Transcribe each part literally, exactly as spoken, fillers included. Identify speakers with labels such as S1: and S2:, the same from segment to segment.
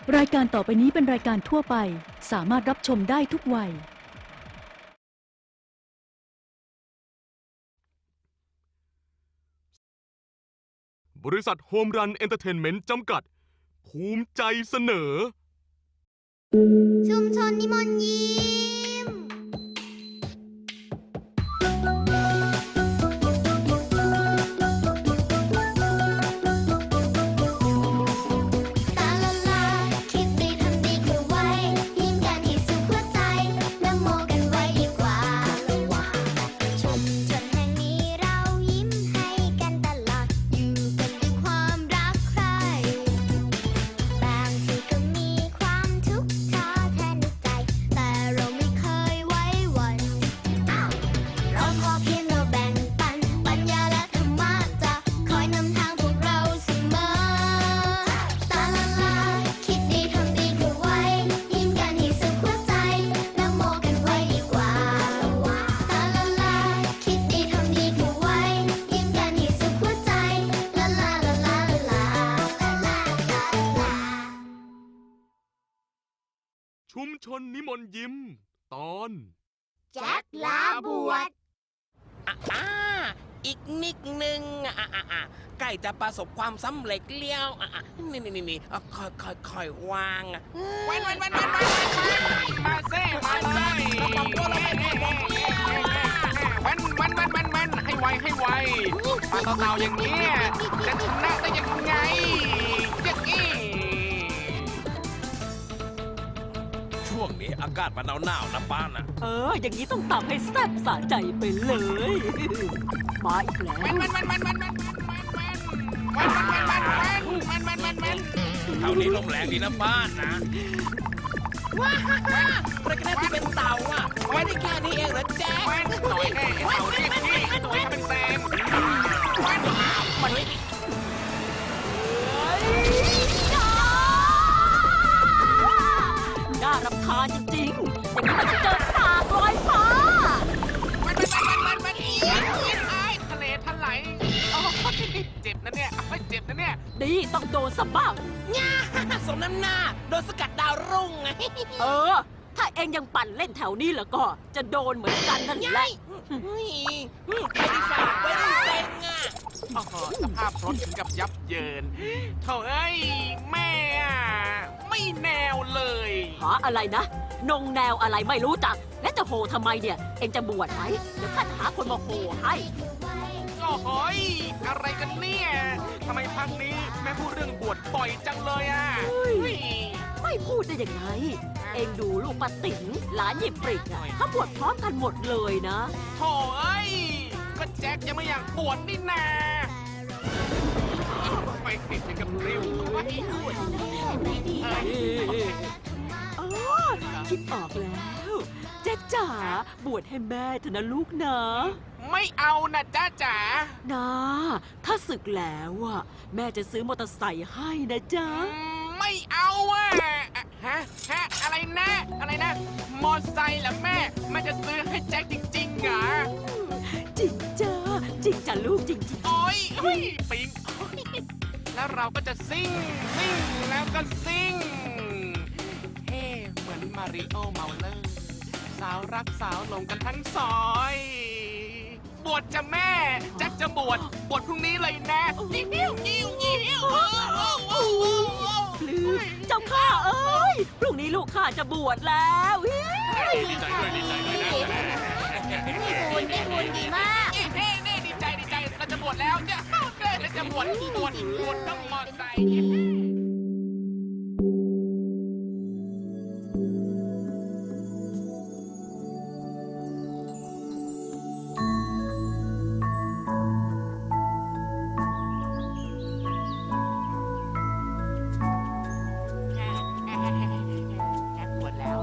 S1: รายการต่อไปนี้เป็นรายการทั่วไปสามารถรับชมได้ทุกวัย
S2: บริษัทโฮมรันเอนเตอร์เทนเมนต์จำกัดภูมิใจเสนอ
S3: ชุมชนนิมนต์ยิ้มตาละลาคิดดีทำดีคือไว้ยิ้มกันให้สุขหัวใจนโมกันไว้ดีกว่าชุมชนแห่งนี้เรายิ้มให้กันตลอดอยู่กันด้วยความรักใคร่บางทีก็มีความทุกข์ท้อแท้ในใจแต่เราไม่เคยไว้วันเราขอเพียงเราแบ่งปันปัญญาและธรรมะจะคอยนำทางพวกเราเสมอตาละลาคิดดีทำดีคือไว้ยิ้มกันให้สุขหัวใจนโมกันไว้ดีกว่าตาละลาคิดดีทำดีคือไว้ยิ้มกันให้สุขหัวใจลาลาลาลาลาลาลาลา
S2: ชุมชนนิมนต์ยิ้มตอน
S3: แจ็คลาบวช
S4: อ่าอีกนิดนึงอ่ะอ่ะอ่ะใกล้จะประสบความสำเร็จเลี้ยวอ่ะอ่ะนี่นี่นี่นี่อ่ะค่อยค่อยค่อยวางอ่ะวันวันวันวันวันมาเซ่มาเลยวันวันวันวันวันให้ไวให้ไวมาเต่าๆอย่างนี้จะชนะได้ยังไงยังงี้ช่วงนี้อากาศมันหนาวๆนะป้าน่ะ
S5: เออ อย่างนี้ต้องตำให้แซ่บสะใจไปเลย มาอีกแล้ว
S4: มันมันมันมันมันมันมันมันมันมันมันมันมันมันเท่านี้ลมแรงดีนะบ้านนะว้าฮ่าฮ่าประกันที่เป็นเต่าอ่ะไว้ได้แค่นี้เองเหรอแจ๊คหน่อยแน่เต่าเรียกพี่หน่อยเป็นแซมมันไม่
S5: น่ารำคาญจริงๆ อย่างนี้มันจะเจอสากลอยฟ้า
S4: มันมันมันมันมันอีกไอ้ทะเลทลายเจ็บนะเนี่ยเจ็บนะเนี่ย
S5: ดีต้องโดนสะบ้าง
S4: ง่าสมน้ำหน้าโดนสกัดดาวรุ่งไง
S5: เออ ถ้าเองยังปั่นเล่นแถวนี้แล้วก็ จะโดนเหมือนกันนั่นแหละ
S4: เฮ้ยไปดีฝ่าไปดีเซ็งอ่ะโอ้โหสภาพรถถึงกับยับเยินโถ่เอ้ยแม่อะไม่แนวเลย
S5: หาอะไรนะ นงแนวอะไรไม่รู้จัก และจะโหทำไมเนี่ย เองจะบวชไหมเดี๋ยวข้าจะหาคนมาโหให้
S4: โอ้โหยอะไรกันเนี่ยทำไมพักนี้แม่พูดเรื่องบวชบ่อยจังเลยอ่ะเฮ้ย
S5: ไม่พูดได้ยังไง เองดูลูกป้าติ๋งหลานหยิบปริกอะเขาบวชพร้อมกันหมดเลยนะ
S4: โถ่เอ้ยก็แจ็คยังไม่อยากบวชนี่นาไปติดอย่างกับริ้วไม่พูดเอ้ย
S5: อ๋อคิดออกแล้วแจ๊คจ๋าบวชให้แม่เถอะนะลูกนะ
S4: ไม่เอานะจ้าจ๋า
S5: นะถ้าศึกแล้วอ่ะแม่จะซื้อมอเตอร์ไซค์ให้นะจ๊ะ
S4: ไม่เอาอ่ะฮะฮะอะไรนะอะไรนะมอไซค์เหรอแม่แม่จะซื้อให้แจ็คจริงๆเหรอ
S5: จริงจ้าจริงจ้ะลูกจริงจริง
S4: โอ้ยเฮ้ยปิงโอ๊ยแล้วเราก็จะซิ่งซิ่งแล้วก็ซิ่งเฮ้เหมือนมาริโอเมาเลอร์สาวรักสาวหลงกันทั้งซอย บวชจะแม่แจ็คจะบวชบวชพรุ่งนี้เลยนะยิ้วยิ้วยิ้วยิ้ว
S5: ปลื้มเจ้าข้าเอ้ยพรุ่งนี้ลูกข้าจะบวชแล้วเฮ้ย
S4: ดีใจด้วยดีใจด้วยนะ
S3: บุญได้บุญดีมาก
S4: เฮ้เน่ดีใจดีใจเราจะบวชแล้วจะเราจะบวชบวชบวชต้องมอไซค์บวชแล้ว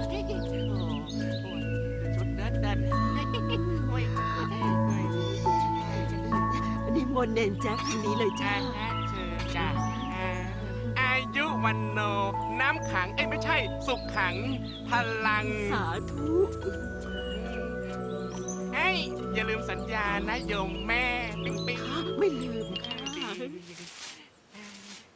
S4: ชุดเดินเดิน
S5: นิมนต์เนนแจ๊คทางนี้เลยจ้า
S4: เชิญจ้ะอายุวันโน น้ำขัง เอ้ยไม่ใช่ สุขขัง พลัง
S5: สาธุ
S4: เฮ้ย อย่าลืมสัญญานะโยมแม่ ปิ๊งปิ๊ง
S5: ไม่ลืมค่ะ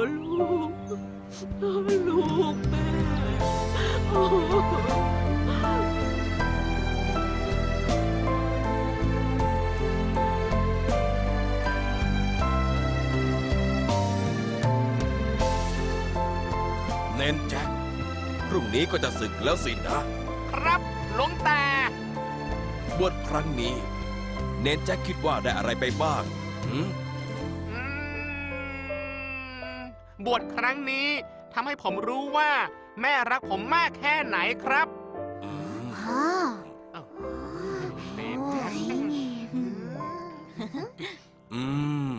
S5: ลูกโอ้ลูกแม่โอ้
S6: เน้นแจ็ค พรุ่งนี้ก็จะศึกแล้วสินะ
S4: ครับหลวงตา
S6: บวชครั้งนี้ เน้นแจ็คคิดว่าได้อะไรไปบ้างหืม
S4: อืมบวชครั้งนี้ทำให้ผมรู้ว่า แม่รักผมมากแค่ไหนครับ
S7: ฮะ
S4: เนนแจ็ค
S6: อืม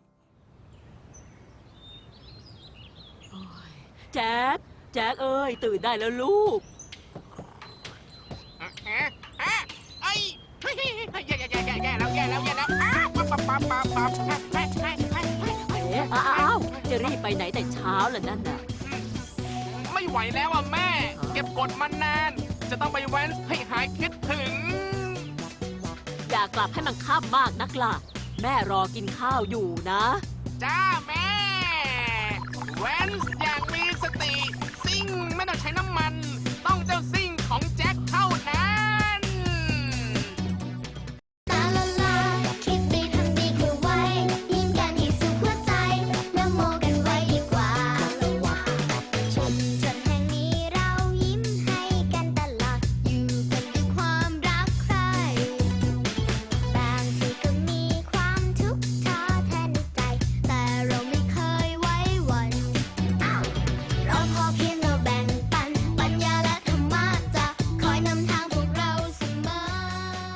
S5: แจ๊คแจ๊คเอ้ย ตื่นได้แล้วลูก
S4: อะอะอะเอ้ยเฮ้ยแย่แย่แย่แย่แย่แล้วแย่แล้วแย่แล้วอ้าวปั๊บปั๊บปั๊บปั๊บปั๊บเฮ้ยเฮ้ยเฮ้ยเฮ้ยเฮ้ยเฮ้ย
S5: เอ๊ะอ้าวจะรีบไปไหนแต่เช้าล่ะนั่นน่ะ
S4: ไม่ไหวแล้วอ่ะแม่ เก็บกดมานาน จะต้องไปแว้นให้หายคิดถึง
S5: อย่ากลับให้มันค่ำมากนักล่ะ แม่รอกินข้าวอยู่นะ
S4: จ้าแม่ แว้นอย่างมีสติ ซิ่งไม่ต้องใช้น้ำมัน ต้องเจ้าซิ่ง